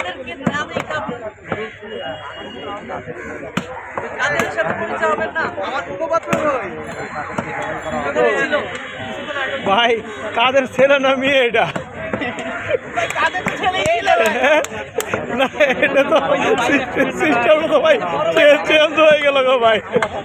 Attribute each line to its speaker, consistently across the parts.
Speaker 1: কাদেরকে না দেখা কাদের সাথে পরিচয় হবেন না আমার মুখপাত্র ছিল
Speaker 2: ভাই কাদের ছেলে না মেয়ে এটা?
Speaker 1: কাদের ছেলে ছিল
Speaker 2: না এটা তো সিস্টেম তো ভাই চেঞ্জ হয়ে গেল গো ভাই।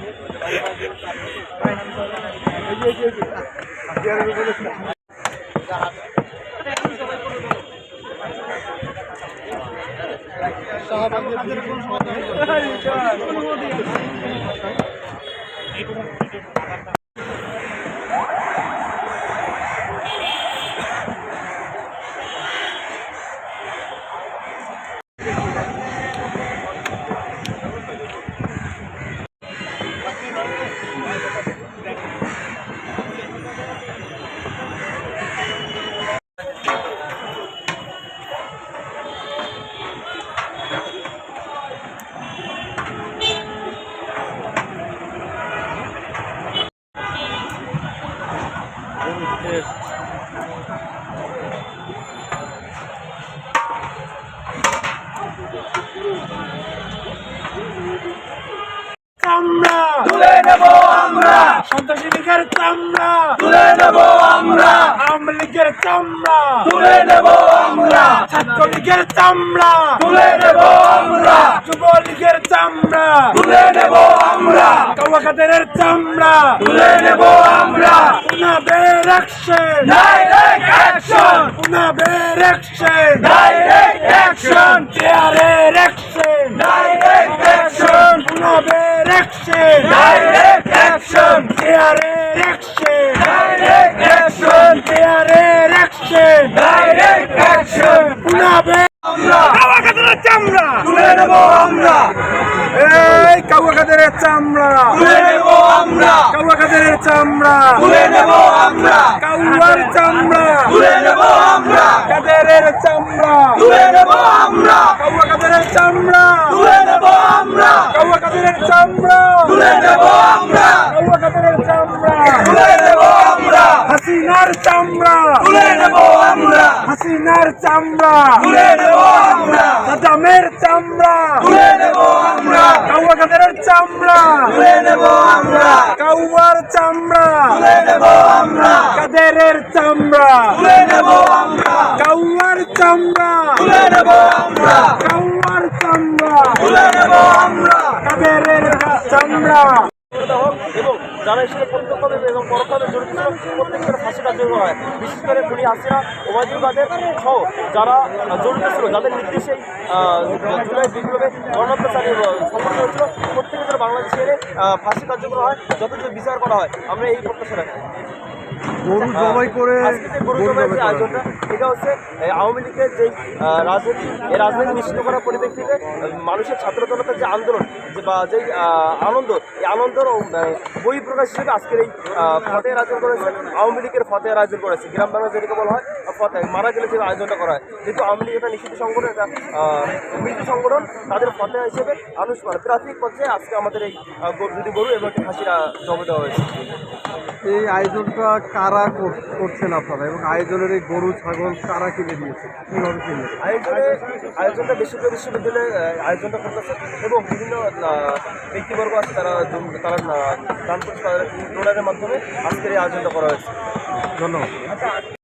Speaker 2: চামড়া তুলে নেব আমরা, সন্ত্রাসী লীগের চামড়া তুলে নেব আমরা, আওয়ামী লীগের চামড়া তুলে নেব আমরা, ছাত্রলীগের চামড়া তুলে নেব আমরা, যুবলীগের চামড়া তুলে নেব আমরা, কাওয়া কাদেরের চামড়া তুলে নেব আমরা, পুনাবের অ্যাকশন ডাইরেক্ট অ্যাকশন, পুনাবের অ্যাকশন ডাইরেক্ট অ্যাকশন, চেয়ারের অ্যাকশন ডাইরেক্ট অ্যাকশন, পুনাবের অ্যাকশন ডাইরেক্ট অ্যাকশন, চেয়ারের অ্যাকশন ডাইরেক্ট অ্যাকশন, চেয়ারের অ্যাকশন ডাইরেক্ট অ্যাকশন, পুনাবের আমরা, কাওয়া কাদেরের চামড়া তুলে নেব আমরা, এই কাওয়া কাদেরের চামড়া তুলে নেব আমরা, কাওয়া কাদেরের চামড়া তুলে নেব আমরা, কাওয়ার চামড়া তুলে নেব আমরা, কাদেরের চামড়া তুলে নেব আমরা, কাওয়া কাদেরের চামড়া তুলে নেব আমরা, কাওয়া কাদেরের চামড়া তুলে নেব আমরা, কাওয়া কাদেরের চামড়া তুলে নেব আমরা, হাসিনার চামড়া তুলে নেব আমরা, হাসিনার চামড়া তুলে নেব আমরা, সাদ্দামের চামড়া তুলে নেব আমরা, কাওয়া কাদেরের চামড়া তুলে নেব আমরা, কাওয়ার চামড়া তুলে নেব আমরা, কাদেরের চামড়া তুলে নেব আমরা, কাওয়ার চামড়া তুলে নেব আমরা, কাওয়ার চামড়া তুলে নেব আমরা, কাদেরের চামড়া
Speaker 3: এবং যারা এসে প্রত্যক্ষভাবে এবং পরোক্ষভাবে জড়িত ছিল প্রত্যেকের ফাঁসি কার্যকর হয়। বিশেষ করে খুনি হাসিনা, ওবায়দুল কাদের সহ যারা জড়িত ছিল, যাদের নির্দেশে জুলাই বিপ্লবে গণহত্যা চালিয়ে সম্পন্ন হয়েছিল, প্রত্যেকের বাংলাদেশে এনে ফাঁসি কার্যকর হয়, যতটুকু বিচার করা হয়। আমরা এই প্রত্যাশা রাখি।
Speaker 2: গরু জবাই করে
Speaker 3: গরু জবাইয়ের যে আয়োজনটা, এটা হচ্ছে আওয়ামী লীগের যে রাজনীতি, এই রাজনীতি নিশ্চিত করার পরিপ্রেক্ষিতে মানুষের ছাত্র জনতার যে আন্দোলন বা যেই আনন্দ, এই আনন্দর বহিঃপ্রকাশ হিসেবে আজকের এই ফতেহের আয়োজন করেছে। আওয়ামী লীগের ফতেহের আয়োজন করেছে, গ্রাম বাংলা যেটাকে বলা হয় ফতেহ, মারা গেলে যে আয়োজনটা করা হয়। যেহেতু আওয়ামী লীগ একটা নিষিদ্ধ সংগঠন, একটা মৃত সংগঠন, তাদের ফতেহ হিসেবে প্রাথমিক পর্যায়ে আজকে আমাদের এই গরু এবং একটি হাসিরা জমা দেওয়া হয়েছে।
Speaker 2: এই আয়োজনটা কারা করছেন আপনারা, এবং আয়োজনের এই গরু ছাগল কারা কিনে দিয়েছে, কিভাবে কিনে?
Speaker 3: আয়োজনটা বেসরকারি বিশ্ববিদ্যালয়ে আয়োজনটা করতেছে এবং বিভিন্ন ব্যক্তিবর্গ আছে, তারা দান করছে, তাদের ডোনারের মাধ্যমে আজকের এই আয়োজনটা করা হয়েছে।
Speaker 2: ধন্যবাদ।